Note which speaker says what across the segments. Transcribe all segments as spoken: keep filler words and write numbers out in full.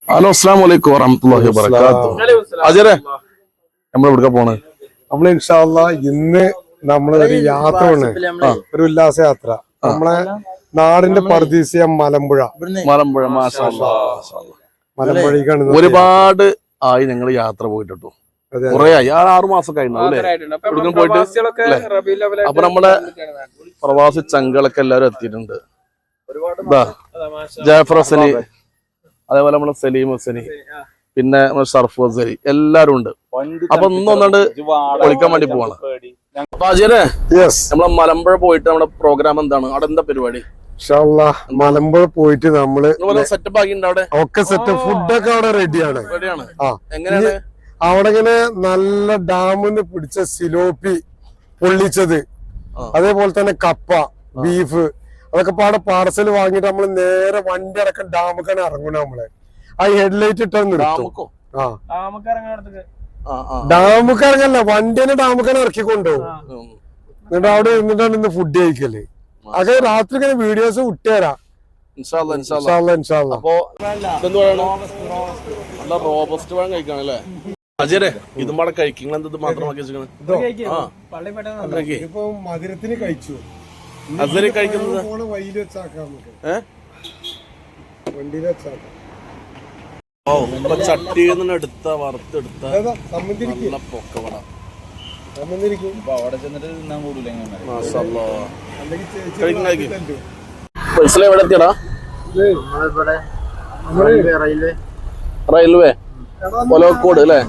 Speaker 1: Hello അസ്സലാമു അലൈക്കും വറഹ്മത്തുള്ളാഹി വബറകാതുഹു. അജരെ നമ്മൾ എവിടേക്കാ പോണേ?
Speaker 2: നമ്മൾ ഇൻഷാ അല്ലാഹ് ഇന്ന് നമ്മൾ ഒരു യാത്ര ആണ്, ഒരു ഉല്ലാസ യാത്ര. നമ്മളെ നാടിന്റെ പർദീസിയ മലമ്പുഴ.
Speaker 1: മലമ്പുഴ മാഷാ അല്ലാഹ്.
Speaker 2: മലമ്പുഴക്കാണ്
Speaker 1: ഒരുപാട് ആയി ഞങ്ങൾ യാത്ര പോയിട്ടോ. കുറെ ആയി, ആ ആറു മാസം കഴിഞ്ഞു പോയിട്ട്. അപ്പൊ നമ്മുടെ പ്രവാസി ചങ്കളൊക്കെ എല്ലാരും എത്തിയിട്ടുണ്ട്. ജാഫർ ഹസനി, അതേപോലെ നമ്മളെ സലീം ഹസനി, പിന്നെ ഷർഫ് ഹസനി, എല്ലാരും ഉണ്ട്. അപ്പൊ ഒന്നൊന്നാണ്ട് വിളിക്കാൻ വേണ്ടി പോവാണ്. അപ്പൊ അജയനെ, നമ്മളെ മലമ്പുഴ പോയിട്ട് നമ്മുടെ പ്രോഗ്രാം എന്താണ്? അവിടെ എന്താ പരിപാടി?
Speaker 2: മലമ്പുഴ പോയിട്ട് നമ്മള്
Speaker 1: സെറ്റപ്പ് ആക്കിണ്ട്. അവിടെ
Speaker 2: ഒക്കെ സെറ്റ്, ഫുഡൊക്കെ അവിടെ റെഡിയാണ്.
Speaker 1: എങ്ങനെയാണ്
Speaker 2: അവിടെ ഇങ്ങനെ നല്ല ഡാമിന്ന് പിടിച്ച സിലോപ്പി പൊള്ളിച്ചത്, അതേപോലെ തന്നെ കപ്പ, ബീഫ്, അതൊക്കെ പാടെ പാർസൽ വാങ്ങിട്ട് നമ്മള് നേരെ വണ്ടി അടക്കം ഡാമക്കാണ് ഇറങ്ങണം. നമ്മള് ആ ഹെഡ്ലൈറ്റ് ഇട്ടാ നിർത്തും. ആ ഡാമക്ക് ഇറങ്ങല്ല, വണ്ടി തന്നെ ഡാമക്കാണ് ഇറക്കി കൊണ്ടുപോകും. എന്നിട്ട് അവിടെ ഇരുന്നിട്ടാണ് ഇന്ന് ഫുഡ് കഴിക്കല്. അത് രാത്രി ഇങ്ങനെ വീഡിയോസ് വിട്ടുതരാം.
Speaker 1: റോബസ്റ്റ് പഴം കഴിക്കാണല്ലേ അജയരെ? ഇതും പാടെ കഴിക്കും മാത്രമാക്കി
Speaker 2: ഇപ്പൊ മധുരത്തിന് കഴിച്ചു.
Speaker 1: അസരി കഴിക്കുന്നത്
Speaker 2: വഴിയിൽ വെച്ചാക്കാം, വണ്ടിയിൽ വെച്ചാക്കാം.
Speaker 1: ഓ ചട്ടിയിൽ നിന്ന് എടുത്ത വറുത്തെടുത്ത നല്ല പൊക്കവട. എവിടെ എത്തിയടാ? റെയിൽവേ ഒലവക്കോട് അല്ലേ?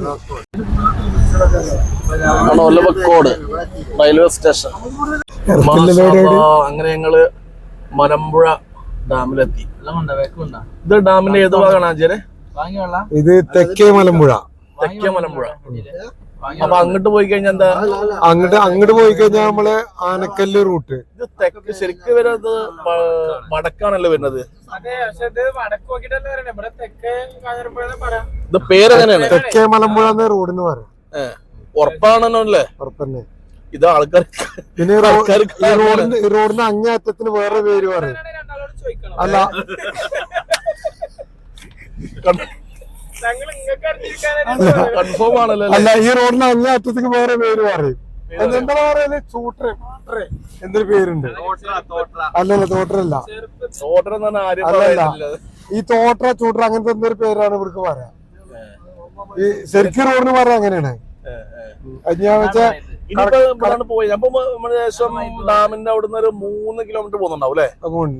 Speaker 1: Olavakkode railway station. അങ്ങനെ ഞങ്ങള് മലമ്പുഴ ഡാമിലെത്തി. ഇത് ഡാമിന്റെ ഏത് ഭാഗമാണ് ആചാര്യ?
Speaker 2: ഇത് തെക്കേ മലമ്പുഴ.
Speaker 1: തെക്കേ മലമ്പുഴ. അപ്പൊ അങ്ങോട്ട് പോയി കഴിഞ്ഞാൽ എന്താ?
Speaker 2: അങ്ങോട്ട് അങ്ങോട്ട് പോയി കഴിഞ്ഞാൽ നമ്മള് ആനക്കല്ല് റൂട്ട്.
Speaker 1: ഇത് തെക്ക് ശരിക്കും വരുന്നത് വടക്കാണല്ലോ വരുന്നത്. ഇത് പേരെങ്ങനെയാണ്?
Speaker 2: തെക്കേ മലമ്പുഴ എന്ന റോഡിന് പറയാം.
Speaker 1: ഉറപ്പാണല്ലോ അല്ലേ?
Speaker 2: ഉറപ്പന്നെ.
Speaker 1: ഇത് ആൾക്കാർ
Speaker 2: പിന്നെ റോഡിന് റോഡിന് അങ്ങേയറ്റത്തിന് വേറെ പേര് പറയും. അല്ല
Speaker 1: കൺഫേം ആണല്ലോ.
Speaker 2: അല്ല, ഈ റോഡിന് അങ്ങേയറ്റത്തിന് വേറെ പേര് പറയും. എന്താ പറയല്? ചൂട്ടറ് എന്തൊരു പേരുണ്ട്. അല്ലല്ല, തോട്ടറല്ല. അല്ലല്ല, ഈ തോട്ടറ ചൂട്ടറ അങ്ങനത്തെ എന്തൊരു പേരാണ് ഇവർക്ക് പറയാം. ഈ ശരിക്കും റോഡിന് പറയാം അങ്ങനെയാണ്. ഞാൻ വെച്ചാ
Speaker 1: പോയി ശേഷം ഡാമിന്റെ അവിടുന്ന് ഒരു മൂന്ന് കിലോമീറ്റർ പോകുന്നുണ്ടാവും അല്ലേ?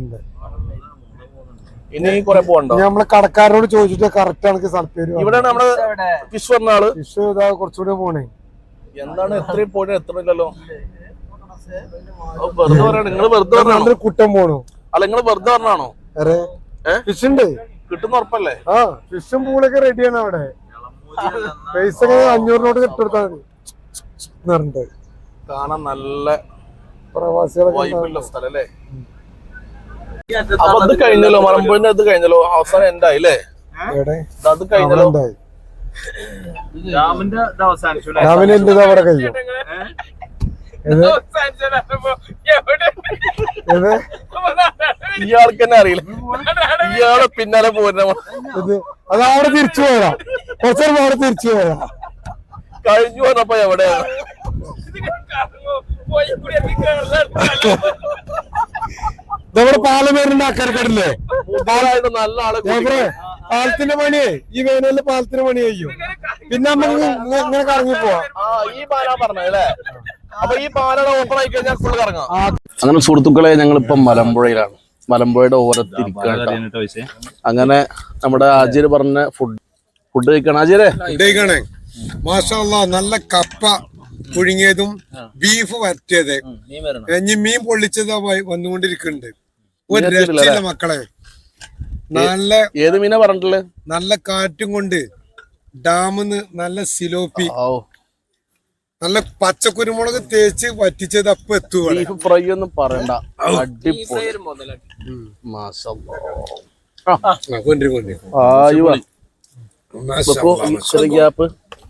Speaker 1: ഇനി കുറെ പോകണ്ടോ?
Speaker 2: നമ്മളെ കടക്കാരോട് ചോദിച്ചിട്ട് കറക്റ്റ് ആണ് സ്ഥലപ്പേര്.
Speaker 1: ഇവിടെ നമ്മള് ഫിഷ് പറഞ്ഞ ആള്
Speaker 2: ഫിഷ് ഇതാ കുറച്ചുകൂടെ പോണേ.
Speaker 1: എന്താണ് എത്രയും പോയിട്ട് എത്രയില്ലല്ലോ? വെറുതെ പറയണ നിങ്ങൾ? വെറുതെ പറഞ്ഞാണോ?
Speaker 2: കുട്ടം പോണു.
Speaker 1: അല്ല, നിങ്ങൾ വെറുതെ പറഞ്ഞാണോ?
Speaker 2: ഫിഷ് ഉണ്ട്,
Speaker 1: കിട്ടുന്ന ഉറപ്പല്ലേ?
Speaker 2: ആ ഫിഷും പൂളൊക്കെ റെഡിയാണ്. അവിടെ പൈസ അഞ്ഞൂറിനോട് കിട്ടെടുത്താൽ മതി.
Speaker 1: കാണാൻ നല്ല
Speaker 2: പ്രവാസികളൊക്കെ
Speaker 1: സ്ഥലം അല്ലേ? അപ്പൊ അത് കഴിഞ്ഞല്ലോ, മലമ്പുഴന്റെ അത് കഴിഞ്ഞല്ലോ, അവസാനം എന്തായി അല്ലേ? അത് കഴിഞ്ഞല്ലോ.
Speaker 2: രാവിലെ എന്റേത് അവിടെ കഴിയും.
Speaker 1: ഇയാൾക്ക് തന്നെ അറിയില്ല, ഇയാളെ പിന്നാലെ പോരുന്ന.
Speaker 2: അത് അവിടെ തിരിച്ചു പോരാ, കുറച്ചു അവിടെ തിരിച്ചു പോരാ.
Speaker 1: കഴിഞ്ഞു പറഞ്ഞപ്പോ എവിടെയാണ്?
Speaker 2: നമ്മുടെ പാലമേരിന്റെ അക്കരക്കടല്ലേ?
Speaker 1: നല്ല ആളെ
Speaker 2: പാലത്തിന്റെ പണിയേ, ഈ വേനലില് പാലത്തിന്റെ പണി കഴിയും. പിന്നെ നമുക്ക് ഇങ്ങനെ കറങ്ങി പോവാം.
Speaker 1: ഈ പാലാ പറഞ്ഞല്ലേ? അപ്പൊ ഈ പാലയുടെ ഓപ്പൺ ആയി കഴിഞ്ഞാൽ ഫുൾ കറങ്ങാം. അങ്ങനെ സുഹൃത്തുക്കളെ, ഞങ്ങളിപ്പോ മലമ്പുഴയിലാണ്. മലമ്പുഴയുടെ ഓരത്തിരിക്കുകയാണ്. അങ്ങനെ നമ്മുടെ ആചാര്യ പറഞ്ഞ ഫുഡ് ഫുഡ് കഴിക്കണം. ആചാര്യ
Speaker 2: ഫുഡ് കഴിക്കണേ. മാഷാ അല്ലാഹ്, നല്ല കപ്പ പുഴുങ്ങിയതും ബീഫ് വരട്ടിയത്, ഇനി മീൻ പൊള്ളിച്ചത് വന്നുകൊണ്ടിരിക്കുന്നുണ്ട്. ഒരു രക്ഷയില്ല മക്കളെ. നല്ല
Speaker 1: ഏത് മീനാ പറഞ്ഞിട്ടുള്ളത്?
Speaker 2: നല്ല കാറ്റും കൊണ്ട് ഡാമിന്ന് നല്ല സിലോപ്പി, നല്ല പച്ചക്കുരുമുളക് തേച്ച് വറ്റിച്ചത് അപ്പൊ എത്തുക.
Speaker 1: ബീഫ് ഫ്രൈ ഒന്നും പറയണ്ട, അടിപൊളി. ഗ്യാപ്പ്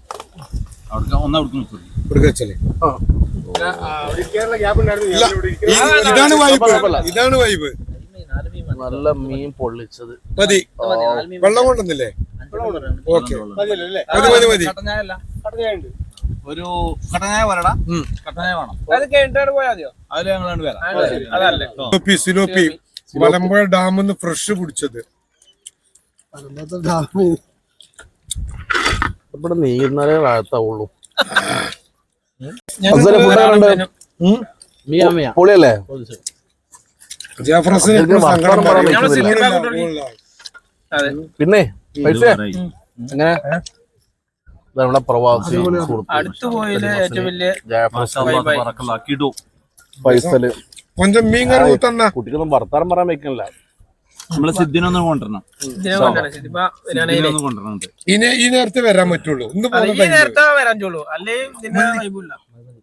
Speaker 2: ഇതാണ് വൈബ്, ഇതാണ് വൈബ്.
Speaker 1: നല്ല മീൻ പൊള്ളിച്ചത്
Speaker 2: മതി. വെള്ളം കൊണ്ടുവന്നില്ലേ? ഓക്കെ മതി മതി മതി
Speaker 3: ഒരു കട്ടനായ വരടാ കട്ടനായ വേണം
Speaker 4: അത് കഴിഞ്ഞിട്ട് പോയാൽ മതിയോ?
Speaker 3: അതിൽ ഞങ്ങൾ വരാം.
Speaker 4: അതല്ലേ
Speaker 2: സിലോപ്പി സിലോപ്പി മലമ്പുഴ ഡാമിൽ നിന്ന് ഫ്രഷ് പിടിച്ചത്.
Speaker 1: ഇവിടെ നീരുന്നാലേ വാഴത്താവുള്ളൂ. പൊളിയല്ലേ? പിന്നെ പൈസ എങ്ങനെ നമ്മുടെ പ്രവാസി
Speaker 4: അടുത്ത് പോയില്ലേ ഏറ്റവും വലിയ
Speaker 1: പൈസല്
Speaker 2: കൊഞ്ചം മീൻ കറി കൂട്ടന്ന
Speaker 1: കുട്ടിക്കൊന്നും വർത്താനം പറയാൻ വെക്കണില്ല.
Speaker 3: നമ്മളെ സിദ്ധിനൊന്നും കൊണ്ടുവരണം
Speaker 2: ഇനി ഈ നേരത്തെ വരാൻ പറ്റുള്ളൂ. ഇന്ന്
Speaker 4: നേരത്തെ വരാൻ ചോളൂ അല്ലേ വൈബില്ല.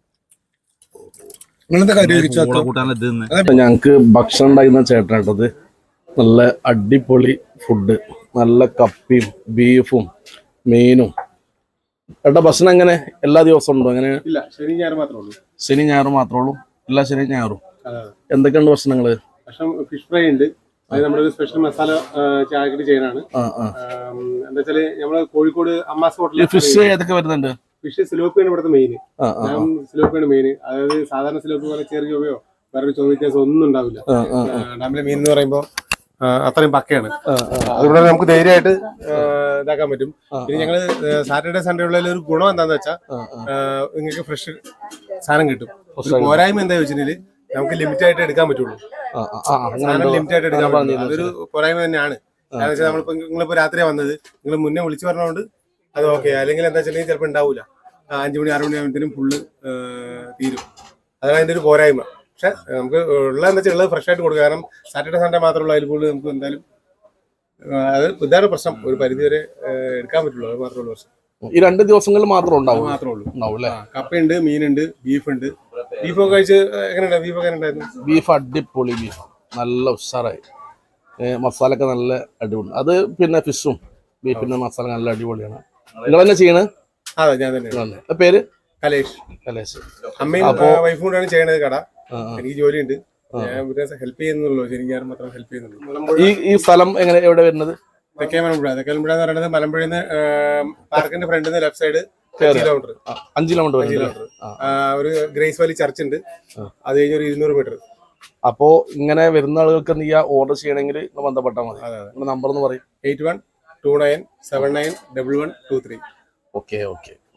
Speaker 1: ഞങ്ങക്ക് ഭക്ഷണം ഉണ്ടാക്കുന്ന ചേട്ടനാട്ടത് നല്ല അടിപൊളി ഫുഡ്, നല്ല കപ്പിയും ബീഫും മീനും. ഏട്ടാ ഭക്ഷണം എങ്ങനെ എല്ലാ ദിവസവും ഉണ്ടോ? അങ്ങനെ
Speaker 5: ശനി ഞായർ മാത്രമേ ഉള്ളൂ.
Speaker 1: ശനി ഞായറും മാത്രമേ ഉള്ളൂ? എല്ലാ ശനി ഞായറും എന്തൊക്കെയുണ്ട് ഭക്ഷണങ്ങള്?
Speaker 5: ഭക്ഷണം ഫിഷ് ഫ്രൈ ഉണ്ട്. അത് നമ്മുടെ ഒരു സ്പെഷ്യൽ മസാല ചായക്കടി ചെയ്യാനാണ്. എന്താ വെച്ചാല് നമ്മള് കോഴിക്കോട് അമ്മാസ് ഹോട്ടലിൽ
Speaker 1: ഫിഷ് ഏതൊക്കെ വരുന്നുണ്ട്?
Speaker 5: ഫിഷ് സിലോപ്പിയാണ് ഇവിടുത്തെ മെയിൻ. സിലോപ്പിയാണ് മെയിൻ. അതായത് സാധാരണ സിലോപ്പി പോലെ ചെറിയ ചൊവ്വയോ വേറെ ചൊവ്വ വ്യത്യാസം ഒന്നും ഉണ്ടാവില്ല. ഡാമിലെ മീൻ എന്ന് പറയുമ്പോൾ അത്രയും പക്കയാണ്. അതുകൊണ്ട് നമുക്ക് ധൈര്യമായിട്ട് ഇതാക്കാൻ പറ്റും. പിന്നെ ഞങ്ങള് സാറ്റർഡേ സൺഡേ ഉള്ള ഒരു ഗുണം എന്താന്ന് വെച്ചാൽ നിങ്ങൾക്ക് ഫ്രഷ് സാധനം കിട്ടും. പോരായ്മ എന്താ വെച്ചിട്ടുണ്ടെങ്കിൽ നമുക്ക് ലിമിറ്റ് ആയിട്ട് എടുക്കാൻ പറ്റുള്ളൂ. സാധനം ലിമിറ്റ് ആയിട്ട് എടുക്കാൻ പറ്റുള്ളൂ. അതൊരു പോരായ്മ തന്നെയാണ്. കാരണം വെച്ചാൽ നമ്മളിപ്പോ നിങ്ങളിപ്പോ രാത്രിയാ വന്നത്, നിങ്ങൾ മുന്നേ വിളിച്ചു പറഞ്ഞതുകൊണ്ട് അത് ഓക്കെ. അല്ലെങ്കിൽ എന്താ വെച്ചിട്ടുണ്ടെങ്കിൽ ചിലപ്പോൾ ഉണ്ടാവില്ല. അഞ്ചു മണി ആറു മണി ആകുമ്പോഴത്തേനും ഫുള്ള് തീരും. അതാണ് അതിന്റെ ഒരു പോരായ്മ. പക്ഷെ നമുക്ക് ഉള്ള എന്താ വെച്ചാൽ ഉള്ളത് ഫ്രഷ് ആയിട്ട് കൊടുക്കുക. കാരണം സാറ്റർഡേ സൺഡേ മാത്രമുള്ള അതിൽ കൂടുതൽ നമുക്ക് എന്തായാലും അത് ഇതാണ് പ്രശ്നം. ഒരു പരിധി വരെ എടുക്കാൻ പറ്റുള്ളൂ. അത് മാത്രമുള്ള പ്രശ്നം.
Speaker 1: ഈ രണ്ട് ദിവസങ്ങളിൽ മാത്രം ഉണ്ടാവും
Speaker 5: മാത്രമേ ഉള്ളൂ.
Speaker 1: ഉണ്ടാവും അല്ലേ?
Speaker 5: കപ്പയുണ്ട്, മീനുണ്ട്, ബീഫുണ്ട്. ബീഫൊക്കെ കഴിച്ച് എങ്ങനെയുണ്ടായിരുന്നു? ബീഫ് എങ്ങനെ ഉണ്ടായിരുന്നു?
Speaker 1: ബീഫ് അടിപൊളി ബീഫ്, നല്ല ഉഷാറായി. മസാല ഒക്കെ നല്ല അടിപൊളി. അത് പിന്നെ ഫിഷും ബീഫിന്റെ മസാല നല്ല അടിപൊളിയാണ്. നിങ്ങൾ തന്നെ ചെയ്യണേ?
Speaker 5: അതെ, ഞാൻ തന്നെ.
Speaker 1: പേര്
Speaker 5: കലേഷ്.
Speaker 1: കലേഷ്.
Speaker 5: അമ്മയും വൈഫും കൂടെയാണ് ചെയ്യണത് കട. എനിക്ക് ജോലിയുണ്ട്, ഞാൻ ഹെൽപ്പ് ചെയ്യുന്നുള്ളൂ. ശരിക്കും ഞാൻ മാത്രം ഹെൽപ്പ് ചെയ്യുന്നുള്ളൂ.
Speaker 1: ഈ ഈ സ്ഥലം എങ്ങനെ എവിടെ വരുന്നത്?
Speaker 5: തെക്കേ മലമ്പുഴ. തെക്കേ മലമ്പുഴ എന്ന് പറയുന്നത് മലമ്പുഴയിൽ നിന്ന് പാർക്കിന്റെ ഫ്രണ്ടിൽ നിന്ന് ലെഫ്റ്റ് സൈഡ് കിലോമീറ്റർ
Speaker 1: അഞ്ച് കിലോമീറ്റർ
Speaker 5: കിലോമീറ്റർ ഒരു ഗ്രേസ് വാലി ചർച്ച് ഉണ്ട്. അത് കഴിഞ്ഞ ഒരു ഇരുന്നൂറ് മീറ്റർ.
Speaker 1: അപ്പോ ഇങ്ങനെ വരുന്ന ആളുകൾക്ക് നീ ഓർഡർ ചെയ്യണമെങ്കിൽ ബന്ധപ്പെട്ടാൽ മതി. നമ്പർ എന്ന് പറയും
Speaker 5: eight one two nine seven nine double one two three.
Speaker 1: Okay okay.